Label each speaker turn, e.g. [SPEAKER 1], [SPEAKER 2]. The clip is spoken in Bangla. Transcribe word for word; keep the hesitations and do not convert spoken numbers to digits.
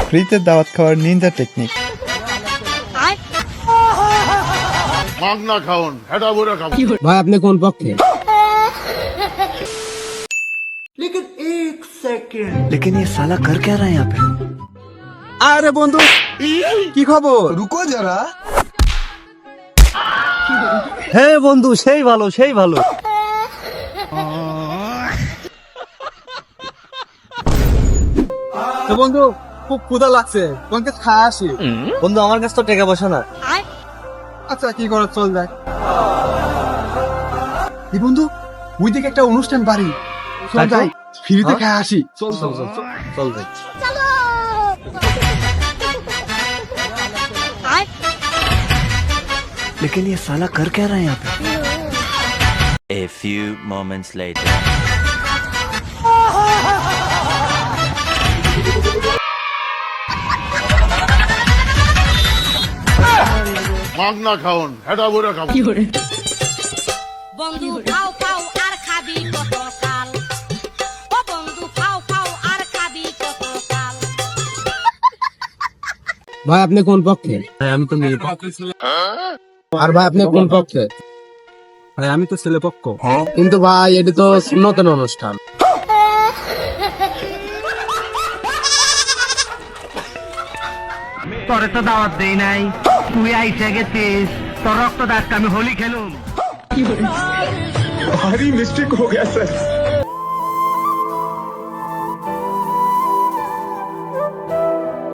[SPEAKER 1] ফ্রিতে দাওয়াত খাওয়ার নিনজা টেকনিক।
[SPEAKER 2] মাগনা খাওন হেডা বুড়া খাওন।
[SPEAKER 3] ভাই আপনি কোন পক্ষে?
[SPEAKER 4] लेकिन ये साला कर क्या रहा है यहाँ पे?
[SPEAKER 3] আরে বন্ধু কি খবর?
[SPEAKER 4] रुको जरा। হ্যাঁ বন্ধু সেই ভালো সেই ভালো।
[SPEAKER 3] তো বন্ধু খুব ক্ষুধা লাগছে, তোমাকে খাওয়া আসি।
[SPEAKER 4] বন্ধু আমার কাছে তো টাকা পয়সা না।
[SPEAKER 3] আচ্ছা কি করে চল যাক। এই বন্ধু ওই দিকে একটা অনুষ্ঠান বাড়ি, চল
[SPEAKER 4] তারপর?
[SPEAKER 3] যাই ফ্রিতে
[SPEAKER 4] হ্যাঁ?
[SPEAKER 3] খাওয়া আসি।
[SPEAKER 4] চল চল চল চল চল ভাই। लेकिन ये साला कर क्या रहा है यहाँ पे?
[SPEAKER 5] A few moments later.
[SPEAKER 2] মাগনা খাওন হেডা বুড়া খাওন।
[SPEAKER 6] বন্ধু খাও খাও আর খাবি কত কাল, ও বন্ধু খাও খাও আর খাবি কত কাল।
[SPEAKER 3] ভাই আপনি কোন পক্ষে?
[SPEAKER 4] ভাই আমি তো মেয়ে
[SPEAKER 3] আর ভাই আপনি কোন পক্ষে?
[SPEAKER 4] ভাই আমি তো ছেলে পক্ষ।
[SPEAKER 3] কিন্তু ভাই এটা তো নতুন অনুষ্ঠান।
[SPEAKER 7] তোরে তো দাওয়াত দেই নাই, তুই আইসা গেছিস, তোর রক্ত দাসকে আমি হোলি খেলুম।
[SPEAKER 3] ভারী মিস্টেক হয়ে গেছে।